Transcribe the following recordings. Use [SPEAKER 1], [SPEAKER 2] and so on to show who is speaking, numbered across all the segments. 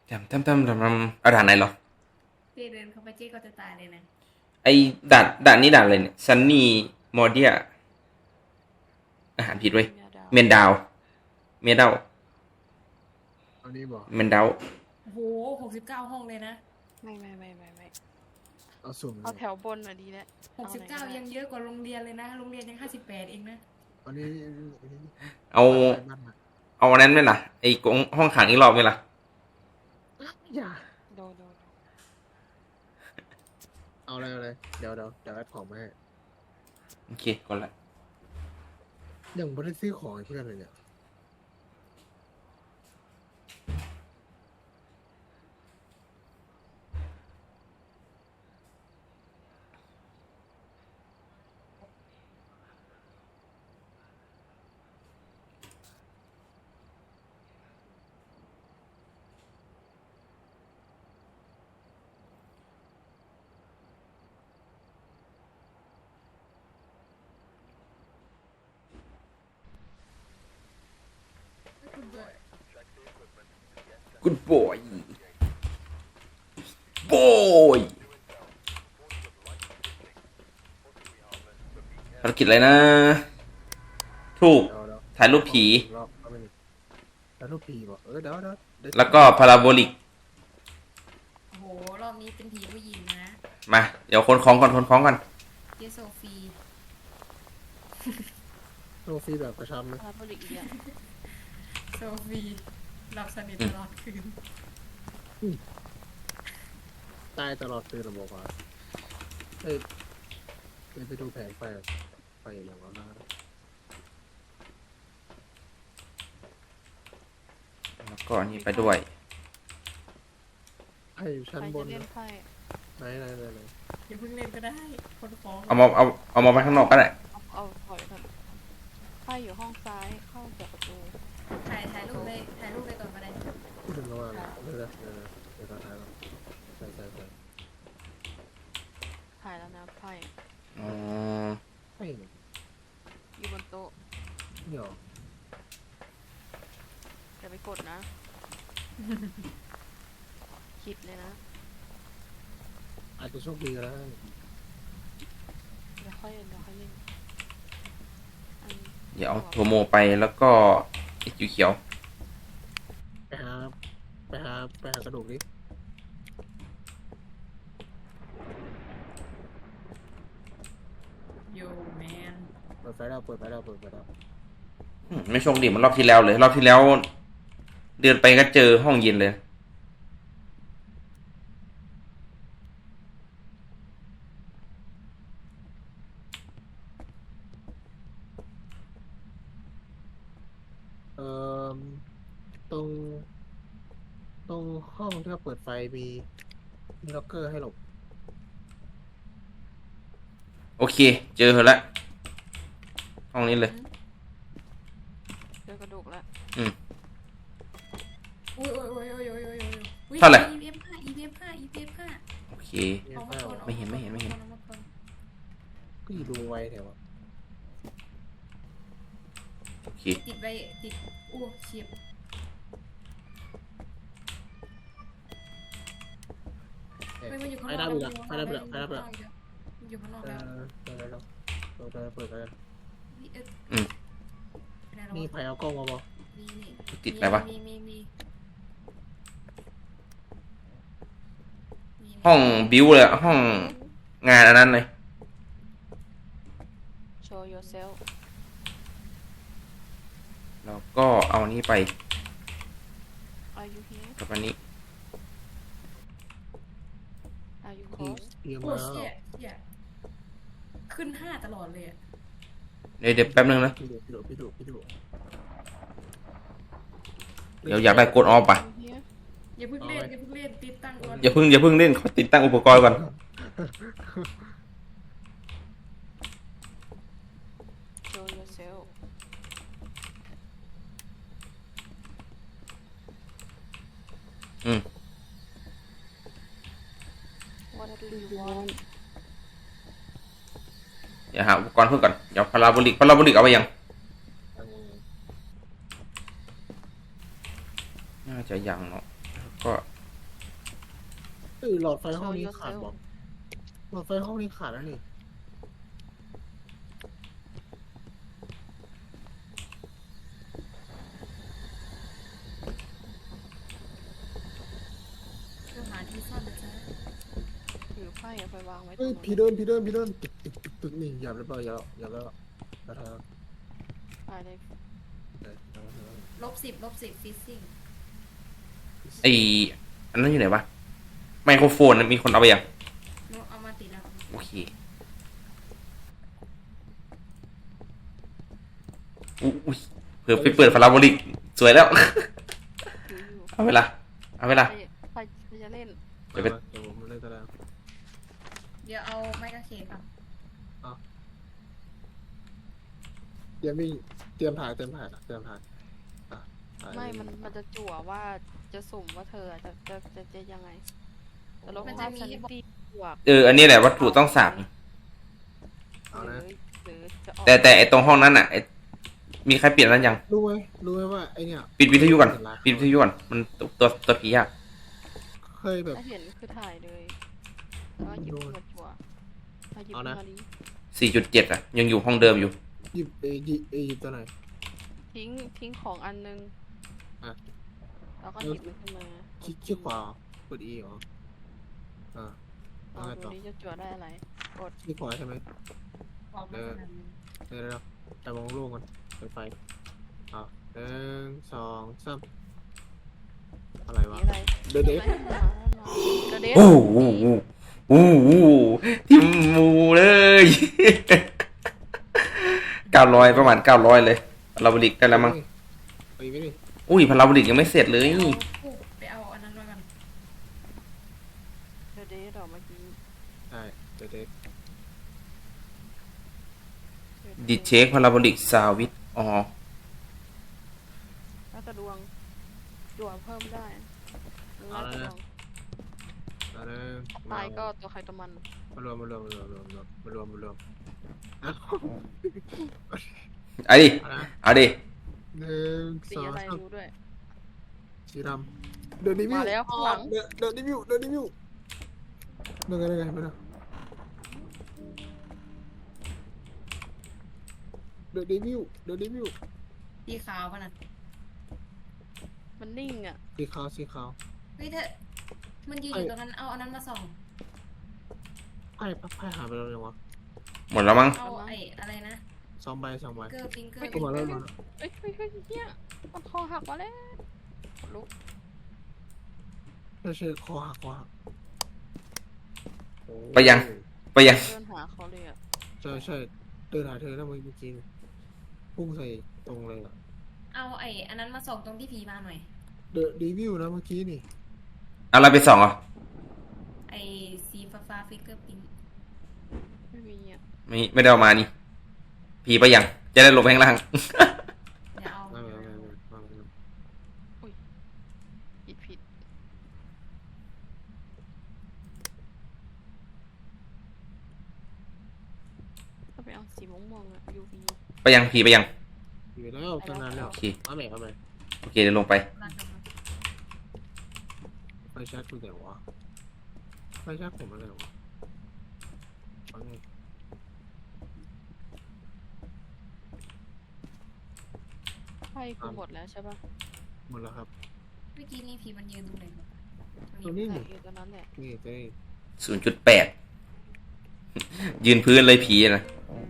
[SPEAKER 1] เอาด่านไหนเหรอ
[SPEAKER 2] เจ๊เดินเข้าไปเจ๊ก็จะตายเลยนะ
[SPEAKER 1] ไอ้ด่านนี้ด่านอะไรเนี่ยซันนี่มอร์เดียอาหารผิดเว้ยเมนดาวเมดาว
[SPEAKER 3] อันนี้บอก
[SPEAKER 1] เมนดาว
[SPEAKER 2] โอ้โห69 ห้องเลยนะ
[SPEAKER 4] ไม่
[SPEAKER 3] เอาสุ่ม
[SPEAKER 4] เอาแถวบนอ่ะดีแล้ว
[SPEAKER 2] 69ยังเยอะกว่าโรงเรียนเลยนะโรงเรียนยัง58เองนะ
[SPEAKER 3] อันนี้
[SPEAKER 1] เอา
[SPEAKER 3] บ้านมา
[SPEAKER 1] เอาอันนั้นไหมล่ะไอ้กงห้องขังอีกรอบไหมล่ะ
[SPEAKER 3] อย่า
[SPEAKER 4] โด
[SPEAKER 3] เอาอะไรเดี๋ยวแอดของมาให้
[SPEAKER 1] โอเคก่อนละ
[SPEAKER 3] ยังไม่ได้ซื้อของเพื่อนเลยเนี่ย
[SPEAKER 1] กูดบอยบอยภารกิจอะไรนะถูก
[SPEAKER 3] เดี๋ยว
[SPEAKER 1] ถ่ายรูปผี
[SPEAKER 3] รอบเอาไปหนึ่งแล้วรูปปีบอกเดี๋ยว
[SPEAKER 1] แล้วก็พาราโบลิก
[SPEAKER 2] โอ้โหรอบนี้เป็นผีผู้หญิงนะ
[SPEAKER 1] มาเดี๋ยวคนคล้องก่อน
[SPEAKER 2] เจโซฟี
[SPEAKER 3] โซฟีแบบกระชับนะ
[SPEAKER 4] รับผลิตอีกอย่าง
[SPEAKER 2] โซฟีหลับสนิทตลอดคืน
[SPEAKER 3] ตายตลอดคืนระบบว่าเอ้ยไปดูแผงไฟอย่างนั้นนะ
[SPEAKER 1] แล้วก็อันนี้ไปด้วย
[SPEAKER 3] ไพ่อยู่ชั้นบน
[SPEAKER 4] เล่
[SPEAKER 3] นะ
[SPEAKER 4] นไพ่
[SPEAKER 3] ไหน
[SPEAKER 2] อย่าเพิ่งเล่นก็ได้คนฟ้อง
[SPEAKER 1] เอามาไว้ข้างนอกก็ได้
[SPEAKER 4] เอาถอยก่อนไพ่อยู่ห้องซ้ายเข้าจากประตู
[SPEAKER 2] ถ่ายรูปเลยก่อนก็ได้
[SPEAKER 3] พูดถึงระหว่างเดี๋ยวถ่ายก่อนใช่
[SPEAKER 4] ถ่ายแล้วนะไพ่
[SPEAKER 1] อ๋อ
[SPEAKER 3] ไม่เ
[SPEAKER 4] อยู่บนโต๊ะ
[SPEAKER 3] นี่หรอ
[SPEAKER 4] อย่าไปกดนะ คิดเลยนะ
[SPEAKER 3] อาจจะโชคดีก็ได้
[SPEAKER 4] เดี๋ยวค่อยเล่น
[SPEAKER 1] เดี๋ยวโทโมไปแล้วก็ไอ้เขียว
[SPEAKER 3] ไปหากระดูกดิ
[SPEAKER 2] โยแมน
[SPEAKER 3] เปิดไฟแล้ว
[SPEAKER 1] ไม่โชคดีเหมือนรอบที่แล้วเลยรอบที่แล้ว เดินไปก็เจอห้องเย็นเลย
[SPEAKER 3] เอ่อตรงห้องที่เราเปิดไฟมีล็อกเกอร์ให้หลบ
[SPEAKER 1] โอเคเจอเธอละห้องนี้เลย
[SPEAKER 4] เจอกระดูกแล้ว
[SPEAKER 2] โอ้ย
[SPEAKER 1] เท่าไหร่
[SPEAKER 2] EVF5
[SPEAKER 1] โอเค
[SPEAKER 2] ออกมาก่อน
[SPEAKER 1] ไม่เห็น
[SPEAKER 2] ออกมาก่อน
[SPEAKER 3] ก็อยู่ดูไว้แถว
[SPEAKER 1] โอเค
[SPEAKER 2] ติดไว้ติดโอ้เฉียบไม่มาอยู่ข้างนอกอยู่ข้างนอกแล้ว
[SPEAKER 3] เปิดกัน
[SPEAKER 1] อืม
[SPEAKER 3] นี่ไฟเอากล้องมาบอก
[SPEAKER 1] ติดอะไรวะ
[SPEAKER 2] มี
[SPEAKER 1] ห้องบิวเลยห้องงานอันนั้นเลย
[SPEAKER 4] show yourself
[SPEAKER 1] แล้วก็เอาอันนี้ไป
[SPEAKER 4] are you here
[SPEAKER 1] กับอันนี้
[SPEAKER 4] are you
[SPEAKER 3] พี่
[SPEAKER 4] close
[SPEAKER 3] เตรียม
[SPEAKER 2] โอ้
[SPEAKER 3] มา
[SPEAKER 2] เชี่ยขึ้น5ตลอดเลยอ่ะ
[SPEAKER 1] เดี๋ยวแป๊บนึงนะ
[SPEAKER 3] พี่ดู
[SPEAKER 1] เดี๋ยวอยากได้กดออฟป่ะ
[SPEAKER 4] here
[SPEAKER 2] อย่าเพิ่งเล่นติดตั้งก่อน
[SPEAKER 1] อย่าเพิ่งเล่นขอติดตั้งอุปกรณ์ก่อน
[SPEAKER 4] show yourself
[SPEAKER 1] อืม
[SPEAKER 4] what do you want
[SPEAKER 1] เดี๋ยวหาอุปกรณ์เพิ่มก่อนเดี๋ยวพาราโบลิกเอาไปยังน่าจะยังเนาะแล้วก็
[SPEAKER 3] เอ้ยหลอดไฟห้องนี้ขาดบอกหลอดไฟห้องนี้ขาดแล้วนี่
[SPEAKER 2] คือหาที่ซ่อนนะจ๊ะ
[SPEAKER 4] ถือไพ่เอาไปวางไว้ตร
[SPEAKER 3] เฮ้ย
[SPEAKER 4] ง
[SPEAKER 3] ผี
[SPEAKER 4] นั้น
[SPEAKER 3] เดินตึกนี่อย่าเรียบร้อยอย่าแล้วอย่าท
[SPEAKER 4] ไปเลย
[SPEAKER 2] -10ฟิซซิ่ง
[SPEAKER 1] ไออันนั้นอยู่ไหนวะไมโครโฟนน่ะมีคนเอาไปยัง
[SPEAKER 2] โนเอามาติดแล้ว
[SPEAKER 1] โอเคอุ้ยเผื่อไปเปิดพาราโบลิกสวยแล้ว
[SPEAKER 4] ถืออยู่
[SPEAKER 1] เอาเวลาเอาเวลา
[SPEAKER 4] ใครจะเล่น
[SPEAKER 3] เดี๋ยวผมเล่นก็ได้
[SPEAKER 2] เดี๋ยวเอาไม้กางเขนก่อน
[SPEAKER 3] เตรียมถ่าย
[SPEAKER 4] ไม่มันจะจั่วว่าจะสุ่มว่าเธอจะยังไงแต่ลบภาพซันตี้บวก
[SPEAKER 1] อันนี้แหละวัตถุต้องสั่ง
[SPEAKER 3] เอา
[SPEAKER 4] ห
[SPEAKER 3] นะ
[SPEAKER 4] รือจะออก
[SPEAKER 1] แต่ไอตรงห้องนั้นอ่ะมีใครเปลี่ยนนั้นยัง
[SPEAKER 3] รู้ไหมว่าไอเนี่ย
[SPEAKER 1] ปิดวิทยุก่อนปิดวิทยุก่อนมันตัวผีอ่ะ
[SPEAKER 3] เคยแบบ
[SPEAKER 4] ถ้าเห็นคือถ่ายเลยแล้วก็หยิบขึ้นมาจั่วถ้าหยิบขึ้นมาดี
[SPEAKER 1] 4.7 อ่ะ ยังอยู่ห้องเดิมอยู่
[SPEAKER 3] หยิบหยิบตัวไหน
[SPEAKER 4] ทิ้งของอันนึง
[SPEAKER 3] อ่ะ
[SPEAKER 4] แล้วก็หยิบมันขึ้นมา
[SPEAKER 3] คลิกขวากด E เหรอ
[SPEAKER 4] ลอง
[SPEAKER 3] เอาไง
[SPEAKER 4] ดู
[SPEAKER 3] ต่อ
[SPEAKER 4] นี่จะจั่วได้อะไรกด
[SPEAKER 3] คลิกขวาใช่ไหม
[SPEAKER 2] บอกมาขนาดนี้
[SPEAKER 3] เดี๋ยวแต่มองโล่งกันเปิดไฟ1 2 3อะไรวะ
[SPEAKER 4] นี่อะไร
[SPEAKER 3] เดี๋ยว
[SPEAKER 4] เดเด
[SPEAKER 1] โอ้โหโอ้โหทิมมูเลย 900ประมาณ900เลยพาราโบลิกได้แล้วมั้ง
[SPEAKER 3] ไปไม่ดิ
[SPEAKER 1] อุ้ยพาราโบลิกยังไม่เสร็จเลย
[SPEAKER 2] ไปเอาอันนั้นไว้ก่อน
[SPEAKER 4] เดเดอเมื่อกี้
[SPEAKER 3] ใช่เดี๋ยว
[SPEAKER 1] ดิเช็คพาราโบลิกซาวิตอ๋อ
[SPEAKER 4] แล้วแต่ดวงจั่วเพิ่มได้แล้วแต่ดวง
[SPEAKER 3] เอาเลย
[SPEAKER 4] ตายก็ตัวใครตัวมัน
[SPEAKER 3] มารวมเอา
[SPEAKER 1] เอาดิ
[SPEAKER 3] เอานะ
[SPEAKER 1] เอาดิ
[SPEAKER 3] 1
[SPEAKER 4] สี
[SPEAKER 3] 2
[SPEAKER 4] อะไร
[SPEAKER 3] 3
[SPEAKER 4] รู้ด้วย
[SPEAKER 3] สีดำเดินดิวิว
[SPEAKER 4] มาแล้วข้างหลัง
[SPEAKER 3] เดินดิวิวเดินไงไปนะเดินดิวิว
[SPEAKER 2] สีขาวป่ะน่ะ
[SPEAKER 4] มันนิ่งอ่ะ
[SPEAKER 3] สีขาว
[SPEAKER 2] เฮ้ยเธอมันยืนอยู่ตรงนั้นเอาอันนั้นมาส่อง
[SPEAKER 3] ไพ่หายไปแล้วยังวะ
[SPEAKER 1] หมดแล้วมั้ง
[SPEAKER 2] เอาไอ้อะไรนะ
[SPEAKER 3] 2 ใบ
[SPEAKER 2] เกอร์ฟิงเกอร์
[SPEAKER 3] เข้ามาแล้ว
[SPEAKER 4] เฮ้ยเนี่ยมันคอหักมาแล้วลุก
[SPEAKER 3] ไม่ใช่คอหัก
[SPEAKER 1] ไปยัง
[SPEAKER 4] เดินหาเขาเลยอ่ะ
[SPEAKER 3] ใช่เดินหาเธอแล้วเมื่อกี้พุ่งใส่ตรงเลยอ่ะ
[SPEAKER 2] เอาไอ้อันนั้นมาส่องตรงที่ผีมาหน่อย
[SPEAKER 3] เดอะรีวิวนะเมื่อกี้นี่
[SPEAKER 1] เอาอะไรไปส่องอ่ะ
[SPEAKER 2] ไอ้สีฟ้าฟิงเกอร์พิง
[SPEAKER 4] ไม่มีอ่ะ
[SPEAKER 1] ไม่ได้เอามานี่ ผีไปยัง จะได้ลงไปข้างล่าง
[SPEAKER 2] เดี๋ยวเอา
[SPEAKER 3] ไม่
[SPEAKER 4] ผิดก็ไปเอาสีม่วงๆอ่ะ UV
[SPEAKER 1] ไปยังผีไปยัง
[SPEAKER 3] อยู่แล้วตั้งนานแล้ว
[SPEAKER 1] โอเค
[SPEAKER 3] เอาใหม่
[SPEAKER 1] โอเคเดี๋ยวลงไป
[SPEAKER 3] ไฟแช็กคุณแต่วะไฟแช็กผมอะไรวะเอาไง
[SPEAKER 4] ไพ่คือหมดแล้วใช่ป่ะ
[SPEAKER 3] หมดแล้วครับ
[SPEAKER 2] เมื่อกี้นี่ผีมันยืนตรงไหนวะ
[SPEAKER 3] ตรงนี้
[SPEAKER 4] ใช่
[SPEAKER 3] นี่
[SPEAKER 4] อยู่ตรงนั้นแหละ
[SPEAKER 3] นี่เจ๊
[SPEAKER 1] 0.8 ยืนพื้นเลยผีนะ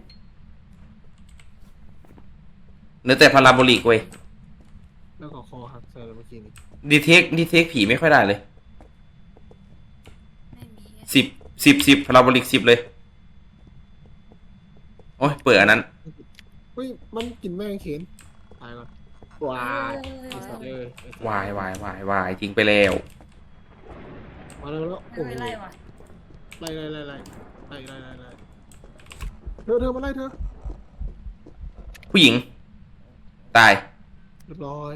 [SPEAKER 1] เนื้อแต่พาราโบลิกเว้ย
[SPEAKER 3] แล้วก็คอหักใส่เมื่อกี้นี่
[SPEAKER 1] ดีเทคผีไม่ค่อยได้เลย
[SPEAKER 2] ไม่มี
[SPEAKER 1] 10พาราโบลิก10เลยโอ้ยเปิดอันนั้น
[SPEAKER 3] เฮ้ยมันกินแม่งเข็นตายก่อนว้ายไอ้สัตว์เลยว
[SPEAKER 1] ายทิ้งไปแล้ว
[SPEAKER 3] มาแล้ว
[SPEAKER 2] ไม่
[SPEAKER 3] โอ้โห
[SPEAKER 2] เป็นไรวะ
[SPEAKER 3] ไล่เธอมาไล่เธอ
[SPEAKER 1] ผู้หญิง ตาย
[SPEAKER 3] เรียบร้อย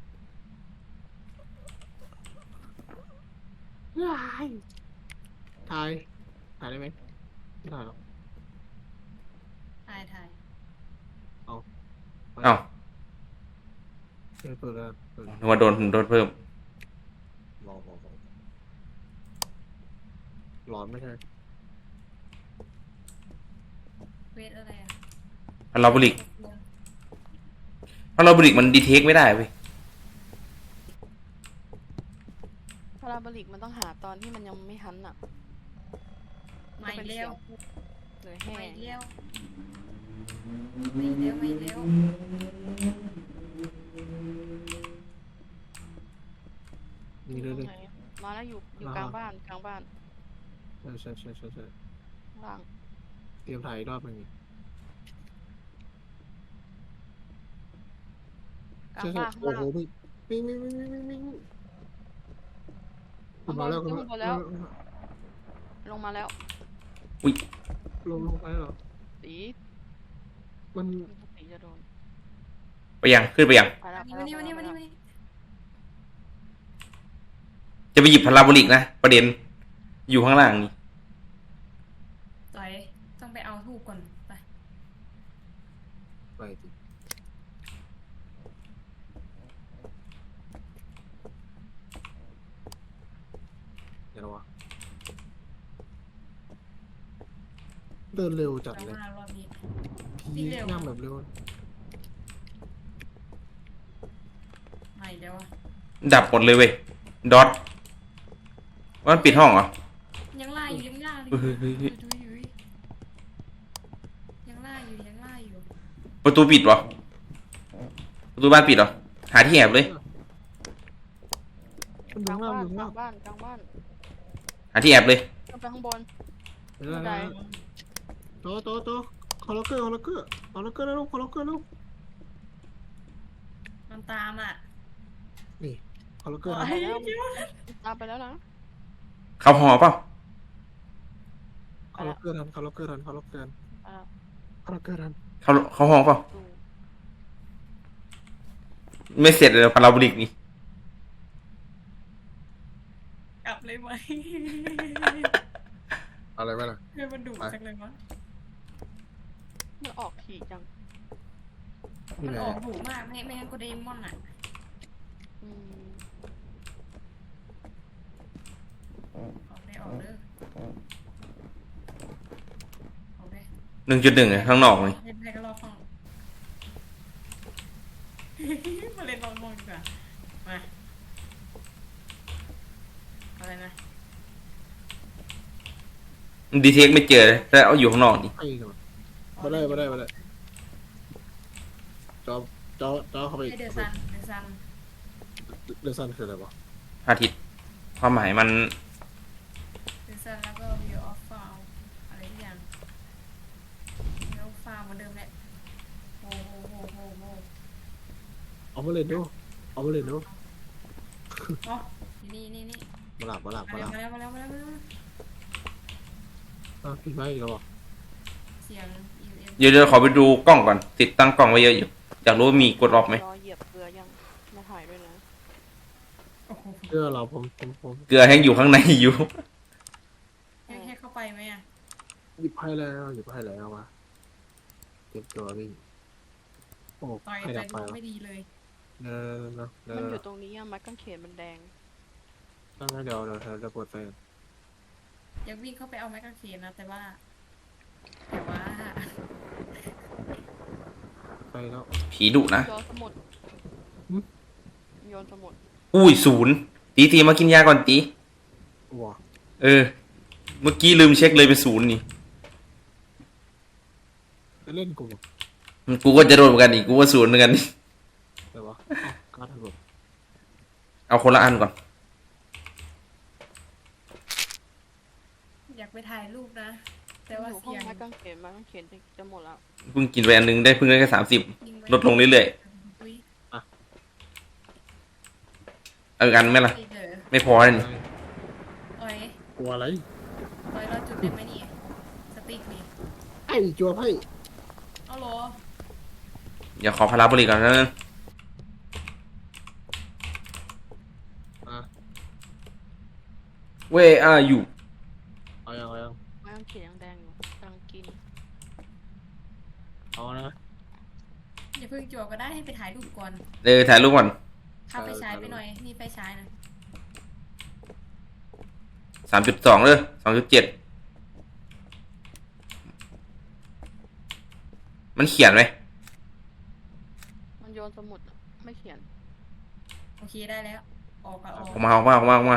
[SPEAKER 3] ถ่ายได้ไหมไม่ถ่ายหรอก
[SPEAKER 2] ถ่าย
[SPEAKER 1] เอ้า
[SPEAKER 3] เปิดแล้ว
[SPEAKER 1] นึกว่าโดนเพิ่ม
[SPEAKER 3] รอหลอนไม่ใช่
[SPEAKER 2] เวทอะไรอ่ะ
[SPEAKER 1] พาราโบลิกมันดีเทคไม่ได้เว้ย
[SPEAKER 4] พาราโบลิกมันต้องหาตอนที่มันยังไม่หันอ่ะ
[SPEAKER 2] ไม่เร็ว
[SPEAKER 4] หรือแห้
[SPEAKER 2] ไม่
[SPEAKER 4] ง
[SPEAKER 2] เร็วไม่เร็วไม่เร็ว
[SPEAKER 3] นี่เลย
[SPEAKER 4] ไหนมาแล้วอยู่กลางบ้าน
[SPEAKER 3] ใช่
[SPEAKER 4] ล่าง
[SPEAKER 3] เตรียมถ่ายอีกรอบหนึ่ง
[SPEAKER 4] กลางบ้านข้าง
[SPEAKER 3] โอ้
[SPEAKER 4] ล่าง
[SPEAKER 3] โหวิ่งคุณมาแล้วคุณมาแล้ว
[SPEAKER 4] ลงมาแล้ว
[SPEAKER 1] อุ้ย
[SPEAKER 3] ลงไปเหรอ
[SPEAKER 4] ตี
[SPEAKER 3] มัน
[SPEAKER 4] ตีจะโดน
[SPEAKER 1] ไปยังขึ้นไปยัง
[SPEAKER 4] ไปแล้ว
[SPEAKER 2] วันนี้
[SPEAKER 1] จะไปหยิบพาราโบลิกนะประเด็นอยู่ข้างล่างนี่
[SPEAKER 2] ต่อยต้องไปเอาทูบก่อนไป
[SPEAKER 3] ไปจริงเดี๋ยววะเดินเร็วจัด
[SPEAKER 2] เรา
[SPEAKER 3] เลย
[SPEAKER 2] มารอบนี้
[SPEAKER 3] พี่นั่งแบบเร็ว
[SPEAKER 2] ไม่เดี๋ยวอ่ะ
[SPEAKER 1] ดับหมดเลยเว้ยดอทว่ามันปิดห้องเหรอ
[SPEAKER 2] ยังล่าอยู่ยังล่าอยู่
[SPEAKER 1] เฮ้ย
[SPEAKER 2] ยังล่าอยู่
[SPEAKER 1] ประตูปิดเหรอประตูบ้านปิดเหรอหาที่แอบเลย
[SPEAKER 3] มัน
[SPEAKER 4] ก
[SPEAKER 3] ดู
[SPEAKER 4] ลาง
[SPEAKER 3] ง่า
[SPEAKER 4] บ้าน
[SPEAKER 3] ดู
[SPEAKER 4] กลาง
[SPEAKER 3] ง่า
[SPEAKER 4] บ้าน
[SPEAKER 1] หาที่แอบเลย
[SPEAKER 4] ขึ้นไปข้างบน
[SPEAKER 3] เดี๋ยวนะโตคอลล็อกเกอร์แล้วลูกคอลล็อกเกอร์ลูก
[SPEAKER 2] มันตามอ่ะ
[SPEAKER 3] นี่คอลล็อกเกอร์
[SPEAKER 4] ตามไปแล้วตามไปแล้วนะ
[SPEAKER 1] เข้าหอเปล่า
[SPEAKER 3] คอลล็อกเกอร์ทันคอลล็อกเกอร์ทัน
[SPEAKER 1] เข้าหอเปล่า
[SPEAKER 4] ดู
[SPEAKER 1] ไม่เสร็จเลยพาราโบลิกนี่
[SPEAKER 2] กลับเลยไหม
[SPEAKER 3] อะไรไหมล่ะ
[SPEAKER 2] เพื่อนมันดุจังเลยวะ
[SPEAKER 4] มันออกถี่จัง
[SPEAKER 2] มันออกดุมากไม่งั้นก็เดมอนอ่ะ
[SPEAKER 4] อืม
[SPEAKER 2] ออกได้ออกเด้อออกได้
[SPEAKER 1] 1.1ข้างนอกนี่
[SPEAKER 2] เล่นให้ก็รอฟัง มาเล่นลองมองดีกว่ามาอะไรนะ
[SPEAKER 1] ดีเทคไม่เจอเลยแต่เอาอยู่ข้างนอกนี่
[SPEAKER 3] ไอ้กันมาได้จอเข้าไป
[SPEAKER 2] ให้เดซัน
[SPEAKER 3] เดซันคืออะไรวะ
[SPEAKER 1] อาทิตย์ความหมายมัน
[SPEAKER 2] แล้วก็ view of file อะไรทุกอย่าง view of file เหมือนเดิมแหละโอ้โห
[SPEAKER 3] เอามาเล่นดู
[SPEAKER 2] อ๋อนี่
[SPEAKER 3] มาหลับ
[SPEAKER 2] มาแล้ว
[SPEAKER 3] พี่ไม่อีกแล้วอ่ะ
[SPEAKER 2] เสียง UM
[SPEAKER 1] เดี๋ยวขอไปดูกล้องก่อนติดตั้งกล้องไว้เยอะอยู่อยากรู้ว่ามีกดออฟไหม
[SPEAKER 4] รอเหยียบเกลือยังมาถ่ายด้วยนะ
[SPEAKER 2] โอ้โห
[SPEAKER 3] เพื่อเราผม
[SPEAKER 1] เกลือแห้งอยู่ข้างในอยู่
[SPEAKER 2] ให้เข้าไปไหมอ่ะ
[SPEAKER 3] หยิบให้แล้วมาเก็บตัววิ่งโอ้
[SPEAKER 2] ต่อย
[SPEAKER 3] ให้
[SPEAKER 2] ใจ
[SPEAKER 3] ดับไป
[SPEAKER 2] ไม่ดีเลย
[SPEAKER 3] เนอะ
[SPEAKER 4] มันอยู่ตรงนี้อะไม้กางเขนมันแดง
[SPEAKER 3] ตั้งให้เดี๋ยวจะปวดไฟ
[SPEAKER 2] อยากวิ่งเข้าไปเอาไม้กางเขนนะแต่ว่า
[SPEAKER 3] ไปแล้ว
[SPEAKER 1] ผีดุนะ
[SPEAKER 4] โยนสมุด
[SPEAKER 3] หึ
[SPEAKER 4] โยนสมุด
[SPEAKER 1] อุ้ย0ตีมากินยาก่อนตี
[SPEAKER 3] ว้า
[SPEAKER 1] เออ เมื่อกี้ลืมเช็คเลยเป็น0นี่
[SPEAKER 3] จะเล่นกู
[SPEAKER 1] กูก็จะโดนเหมือนกันอีกกูว่า0เหมือนกันนี่
[SPEAKER 3] แต่ว่าการถล่ม
[SPEAKER 1] เอาคนละอันก่อน
[SPEAKER 2] อยากไปถ่ายรูปนะ แต่ว่า
[SPEAKER 4] อยู่ห้อ
[SPEAKER 2] เสี
[SPEAKER 4] ง
[SPEAKER 2] ยง
[SPEAKER 4] ไม้กางเขนจะหมดแล้ว
[SPEAKER 1] เพิ่งกินไปอันนึงได้เพิ่งได้แค่30ลดลงเรื่อยๆเอากันไหมล่ะ ไม่พอเลยนี่
[SPEAKER 2] อ้อย
[SPEAKER 3] กลัวอะไร
[SPEAKER 2] เราจุดได้ไหมนี่สติ๊กนี่
[SPEAKER 3] ไอ้จัวไพ่
[SPEAKER 2] เอาเหรอ
[SPEAKER 1] อย่าขอพาราโบลิกก่อนนะ Where are you
[SPEAKER 3] เอายัง
[SPEAKER 4] ไม้กางเขนยังแดงอยู่กำลังกิน
[SPEAKER 3] เอานะ
[SPEAKER 2] อย่าเพิ่งจั่วก็ได้ให้ไปถ่ายรูปก่อน
[SPEAKER 1] ถ่ายรูปก่อน
[SPEAKER 2] เข้าไปฉายไปหน่อยนี่ไปฉายนะ
[SPEAKER 1] 3.2เลย2.7มันเขียนไหม
[SPEAKER 4] มันโยนสมุดอะไม่เขียน
[SPEAKER 2] โอเคได้แล้ว ออกก็ออก
[SPEAKER 1] ออกมา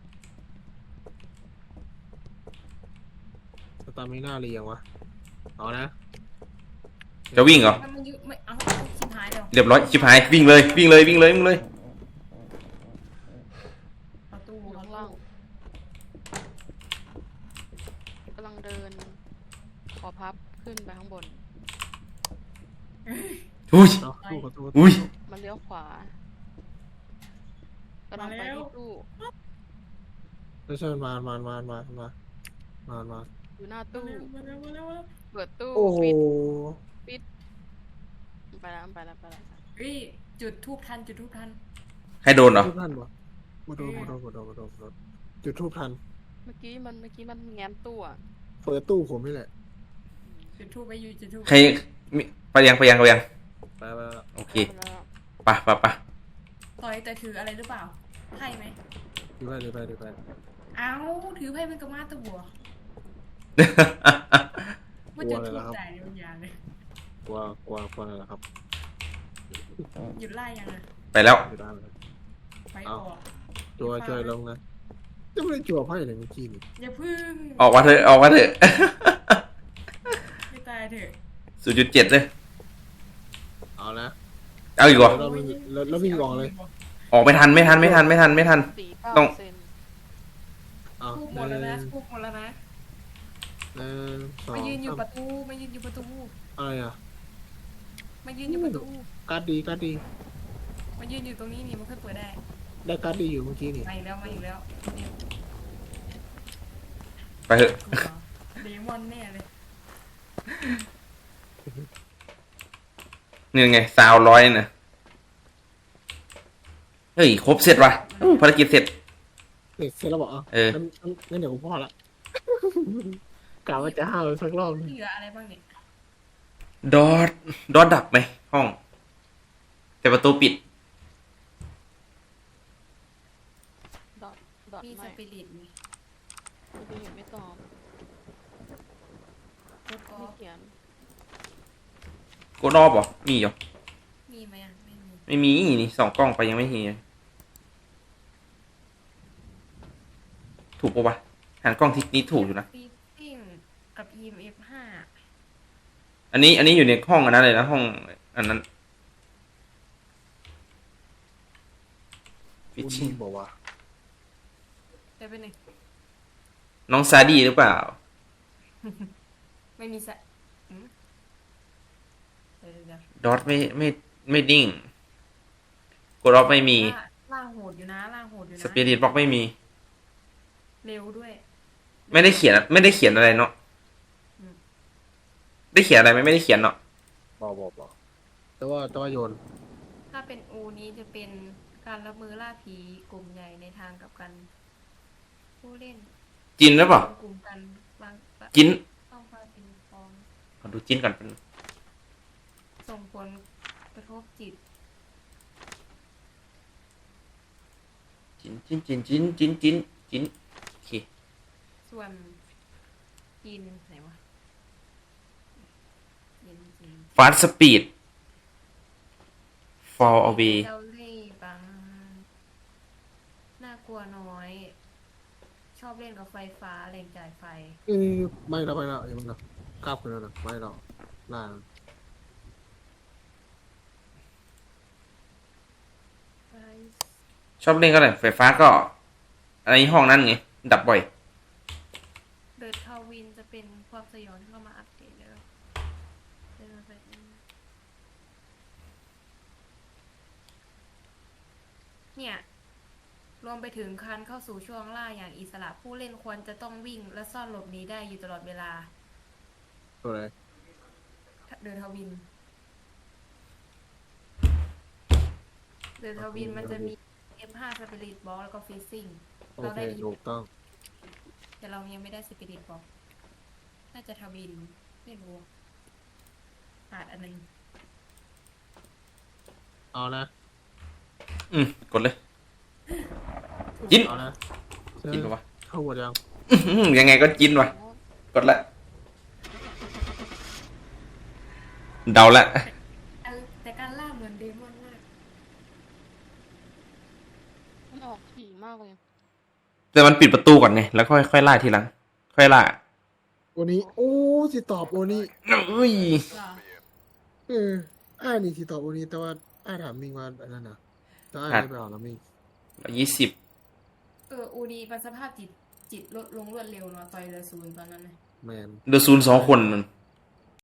[SPEAKER 3] สตาร์มิน่าเรียงวะเอานะ
[SPEAKER 1] จะวิ่งเหรอ
[SPEAKER 2] มันยุไม่เอาชิบหายเดี๋ยว
[SPEAKER 1] เรียบร้อยชิบหายวิ่งเลย
[SPEAKER 2] เอาตู้
[SPEAKER 4] อยู่
[SPEAKER 2] เอา
[SPEAKER 4] ข้าง
[SPEAKER 2] ตู้
[SPEAKER 4] ล่างกำลังเดิน ขอพับขึ้นไปข้างบน
[SPEAKER 1] อุ้ย
[SPEAKER 3] เอาตู้ประตู
[SPEAKER 1] อุ้ย
[SPEAKER 4] มันเลี้ยวขวากำลังไปที่ตู้
[SPEAKER 3] ไม่ใช่มา
[SPEAKER 4] อยู่หน้าตู้
[SPEAKER 2] มาแล้ว
[SPEAKER 4] เปิดตู้
[SPEAKER 3] โอ้โห
[SPEAKER 4] ปิดไปแล้ว
[SPEAKER 2] เฮ้ยจุดทูบทัน
[SPEAKER 1] ให้โดนเหรอ
[SPEAKER 3] ทูบทันวะมาโดนจุดทูบทัน
[SPEAKER 4] เมื่อกี้มันแง้มตู้อะ
[SPEAKER 3] เปิดตู้ผมนี่แหละ
[SPEAKER 2] จุดทูบไปอยู่จุดทูบ
[SPEAKER 1] ใครมีไปยัง
[SPEAKER 3] ไปแล้ว
[SPEAKER 1] โอเค
[SPEAKER 4] ไปแล้ว
[SPEAKER 1] ไป
[SPEAKER 2] ต่อยแต่ถืออะไรหรือเปล่าไพ่ไหม
[SPEAKER 3] ดูไป
[SPEAKER 2] เอาถือไพ่เป็นกระมาตะบัวว่าจุดทูบแต่ในบางอย่างเลย
[SPEAKER 3] กลัวอะไรล่ะครับ
[SPEAKER 2] หยุดไล่ยังไง
[SPEAKER 1] ไปแล้ว
[SPEAKER 3] อยู่ได้เลย
[SPEAKER 2] ไปออก
[SPEAKER 3] จัวลงนะจะไม่ได้จัวไพ่เลยเมื่อกี้นี่
[SPEAKER 2] อย่าพึ่ง
[SPEAKER 1] ออกมาเถอะ
[SPEAKER 2] ไม่ตายเถอะ
[SPEAKER 1] 0.7เลย
[SPEAKER 3] เอานะ
[SPEAKER 1] เอาอีกเหรอ
[SPEAKER 3] แล้ววิ่งออกเลย
[SPEAKER 1] ออกไม่ทัน
[SPEAKER 4] 4-9%
[SPEAKER 1] ต้อง
[SPEAKER 3] เอา
[SPEAKER 2] ทูบหมดแล้วนะทูบหมดแล้วนะ
[SPEAKER 3] สอง
[SPEAKER 2] มายืนอยู่ประตูมายืนอยู่ประตู
[SPEAKER 3] อะไรอ่ะ
[SPEAKER 2] มายืนอยู่ประตู
[SPEAKER 3] การ์ดดี
[SPEAKER 2] มายืนอยู่ตรงนี้นี่มันค่อยเปิดได้
[SPEAKER 3] ได้การ์ดดีอยู่เมื่อกี้นี่
[SPEAKER 2] มาอีกแล้วเนี่ย
[SPEAKER 1] ไปเถอะ
[SPEAKER 2] เดมอนแน่เลย
[SPEAKER 1] นี่ไงซาวร้อยนะเฮ้ย ครบเสร็จว่ะภารกิจเสร็จ
[SPEAKER 3] เสร็จแล้วบอกอ่ะ
[SPEAKER 1] เออ
[SPEAKER 3] งั้นเดี๋ยวผมพอละกะว่าจะห้าวสักรอบนึง
[SPEAKER 2] เหลืออะไรบ้างเนี่ย
[SPEAKER 1] ดอทดับไหมห้อง แต่ประตูปิด
[SPEAKER 4] ดอท
[SPEAKER 2] มีส
[SPEAKER 4] ไม่
[SPEAKER 2] ปิริตมี
[SPEAKER 4] ดูเห็นไม่ตอบ
[SPEAKER 2] โคตรออ
[SPEAKER 4] ไม่
[SPEAKER 2] ฟ
[SPEAKER 4] เขียน
[SPEAKER 1] โกดอฟเหรอ มีเหรอ
[SPEAKER 2] มีไหมอ่ะไม่มี
[SPEAKER 1] ไม่มีนี่2 กล้องไปยังไม่มีถูกปะวะหันกล้องทิศนี้ถูกอยู่นะ
[SPEAKER 2] ฟีซิ่งกับ EMF 5
[SPEAKER 1] อันนี้อยู่ในห้องอันนั้นเลยนะห้องอันนั้นฟิชชิ่ง
[SPEAKER 3] บอกว่า
[SPEAKER 2] ได้เป็นหนึ่ง
[SPEAKER 1] น้องซาดีหรือเปล่า
[SPEAKER 2] ไม่มีสะอืมเดี๋ยว
[SPEAKER 1] ดอทไม่ดิ้งกดออฟไม่มี
[SPEAKER 2] ล่างโหดอยู่นะล่างโหดอยู่นะ
[SPEAKER 1] สปิริตบ็อกไม่มี
[SPEAKER 2] เร็วด้วย
[SPEAKER 1] ไม่ได้เขียนอะไรเนาะ
[SPEAKER 2] อืม
[SPEAKER 1] ได้เขียนอะไรไหมไม่ได้เขียนเนาะ
[SPEAKER 3] บอกแต่ว่าโยน
[SPEAKER 2] ถ้าเป็นอูนี้จะเป็นการรับมือล่าผีกลุ่มใหญ่ในทางกับกัน ผู้เล่น
[SPEAKER 1] จินหรือเปล่าก
[SPEAKER 2] ลุ่มกันบาง
[SPEAKER 1] จิน
[SPEAKER 2] ต้องมาเป็นฟอง
[SPEAKER 1] ขอดูจินก่อนเป็น
[SPEAKER 2] ส่งผลกระทบจิต
[SPEAKER 1] จินโอเค
[SPEAKER 2] ส่วนกินไหนวะกิน
[SPEAKER 1] ฟาสต์สปีด fall away
[SPEAKER 2] เจ้าเล่ห์บางน่ากลัวน้อย ชอบเล่นกับไฟฟ้าแรงจ่ายไฟ
[SPEAKER 3] ไม่แล้วยังไม่แล้วกล้าบขึ้นแล้วนะไม่แล้วล่าง
[SPEAKER 1] ชอบเล่นก็ได้ไฟฟ้าก็อะไรห้องนั้นไงดับบ่อย
[SPEAKER 2] เดอะทาวินจะเป็นความสยองที่เข้ามาอัปเดตแล้วเนี่ย รวมไปถึงการเข้าสู่ช่วงล่าอย่างอิสระผู้เล่นควรจะต้องวิ่งและซ่อนหลบหนีได้อยู่ตลอดเวลา
[SPEAKER 3] ตัวอะไร
[SPEAKER 2] เดอะทวิน เดอะทวินมันจะมี F5 Spirit Box แล้วก็ Freezing
[SPEAKER 3] โอ
[SPEAKER 2] เรา
[SPEAKER 3] เค
[SPEAKER 2] ได้ดี
[SPEAKER 3] ถูกต้อง
[SPEAKER 2] แต่เรายังไม่ได้ Spirit Box น่าจะทวิน ไม่รู้ขาดอันนึง
[SPEAKER 3] เอานะ
[SPEAKER 1] กดเลย จิน
[SPEAKER 3] เอานะ
[SPEAKER 1] จินปะวะ
[SPEAKER 3] ทเข้าหมดยัง
[SPEAKER 1] ยังไงก็จินวะกดละเดาละ
[SPEAKER 2] แต่การล่าเหมือนเดมอนมาก
[SPEAKER 4] มันออกถี่มากเลย
[SPEAKER 1] แต่มันปิดประตูก่อนไงแล้วค่อยล่าทีหลัง ค่อยล่า
[SPEAKER 3] โอนี้โอ้สิตอบโอนี้
[SPEAKER 1] เอ้ย
[SPEAKER 2] เหรอ
[SPEAKER 3] นี่สิตอบโอนี้แต่ว่าถามมิงว่าอันนั้นนะแต่ไม่ไปเอาแล้วมิง
[SPEAKER 1] 20
[SPEAKER 2] อูดีประสภาพจิตลดลงรวดเร็วเนาะต่อยเหลือ0ตอนนั้นนะ
[SPEAKER 3] แมน
[SPEAKER 1] เดือด0 2 คนนั่น